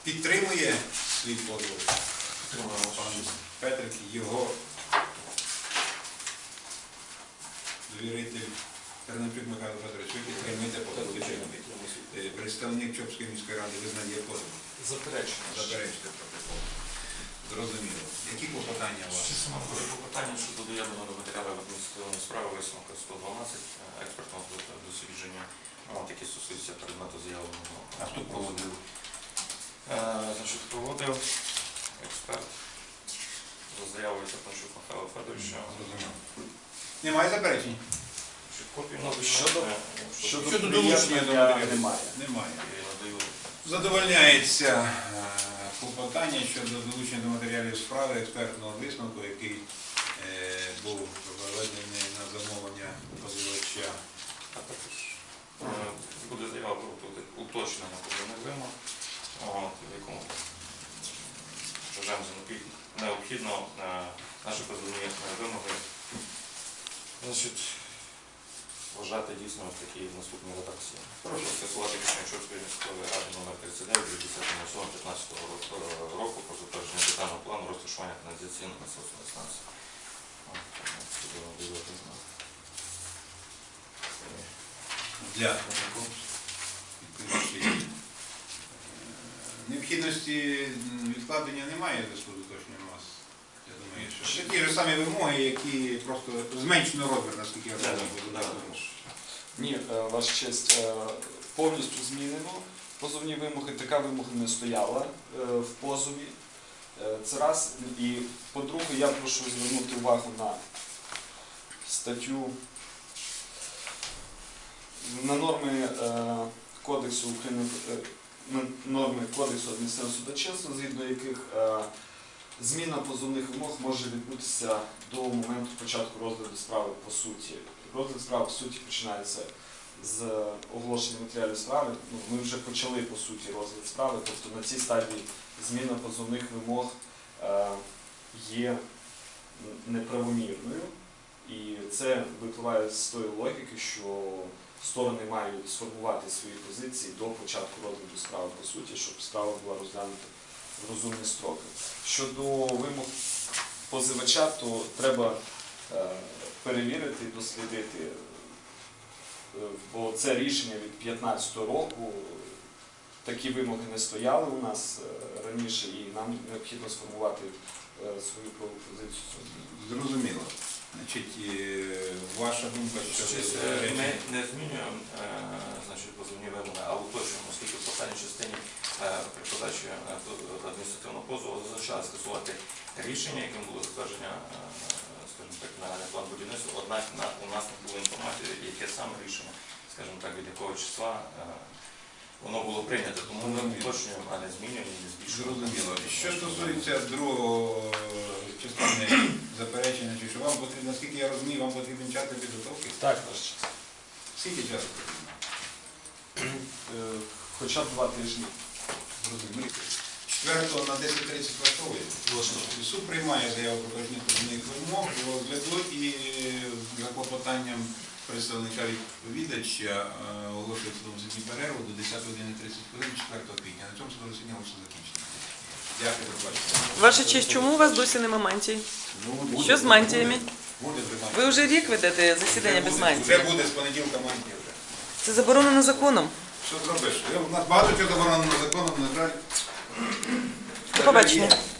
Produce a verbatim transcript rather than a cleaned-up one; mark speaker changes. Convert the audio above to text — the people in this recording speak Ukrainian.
Speaker 1: підтримує свій позов. Пан Петрик, його довіритель Тернопільський Михайло Петрович, ви підтримуєте позов. Представник Чопської міської ради визнає позов.
Speaker 2: Заперечення.
Speaker 1: Заперечте протокол. Зрозуміло. Які клопотання у вас?
Speaker 3: Клопотання щодо доєднаного до матеріалу адміністративної справи висновка сто дванадцять експертного дослідження, які стосуються предмету заявленого.
Speaker 1: А хто проводив?
Speaker 3: Значить, проводив експерт за заявою Сапанчук Михайла Федоровича.
Speaker 1: Зрозуміло. Немає заперечень?
Speaker 2: Щодо
Speaker 1: Щодо долучення до матеріалу?
Speaker 2: Немає.
Speaker 1: Немає. Задовольняється клопотання щодо долучення до матеріалів справи експертного висновку, який е, був проведений на замовлення позивача.
Speaker 3: А також е, буде заява про уточнення позивних вимог, в якому вважаємо за необхідно е, наші позивні вимоги значить, вважати дійсно в такій наступній редакції. Прошу скасувати рішення Чопської міської ради номер тридцять дев'ять від десятого сьомого п'ятнадцятого року про затвердження детального плану розташування каналізаційної насосної станції.
Speaker 1: Для необхідності відкладення немає в зв'язку з уточненням вас. Я думаю, що такі ж самі вимоги, які просто зменшено розмір, наскільки я розумію.
Speaker 2: Ні, ваша честь, повністю змінено позовні вимоги, така вимога не стояла в позові. Це раз. І по-друге, я прошу звернути увагу на статтю, на норми Кодексу України, норми Кодексу адміністративного судочинства, згідно яких зміна позовних вимог може відбутися до моменту початку розгляду справи по суті. Розгляд справи по суті починається з оголошення матеріалів справи. Ми вже почали по суті розгляд справи, тобто на цій стадії зміна позовних вимог є неправомірною. І це випливає з тої логіки, що сторони мають сформувати свої позиції до початку розгляду справи по суті, щоб справа була розглянута в розумні строки. Щодо вимог позивача, то треба перевірити, дослідити, бо це рішення від п'ятнадцятого року, такі вимоги не стояли у нас раніше і нам необхідно сформувати свою позицію.
Speaker 1: Зрозуміло. Значить, ваша думка, що
Speaker 3: ми не змінюємо значить, позовні вимоги, а уточнюємо, оскільки в останній частині при подачі адміністративного позову зазначали скасувати рішення, яким було затвердження, скажімо так, нагальний план будівництва, однак у нас не було інформації, яке саме рішення, скажімо так, від якого числа воно було прийнято, тому ми уточнюємо, а не змінюємо і не збільшуємо.
Speaker 1: Зрозуміло. Що стосується другого частини заперечення, чи що вам потрібно, наскільки я розумію, вам потрібен час для підготовки?
Speaker 2: Так, ваш час.
Speaker 1: Скільки часу потрібно?
Speaker 2: Хоча б два тижні.
Speaker 1: Зрозуміло. четвертого на десять тридцять влаштовує. Суд приймає заяву про порушення позовних вимог, розгляду і за клопотанням представника відповідача оголошує судову суддю перерву до десятої години тридцять хвилин четвертого квітня. На цьому судове засідання все закінчено. Дякую за бачення.
Speaker 4: Ваша честь, чому у вас досі нема мантій?
Speaker 1: Ну,
Speaker 4: Що з мантіями?
Speaker 1: Буде вже мантія.
Speaker 4: Ви вже рік ведете засідання без
Speaker 1: Вже
Speaker 4: мантії.
Speaker 1: буде з понеділка мантія вже.
Speaker 4: Це заборонено законом.
Speaker 1: Що зробиш? У нас багато чого заборонено законом, на жаль.
Speaker 4: До побачення.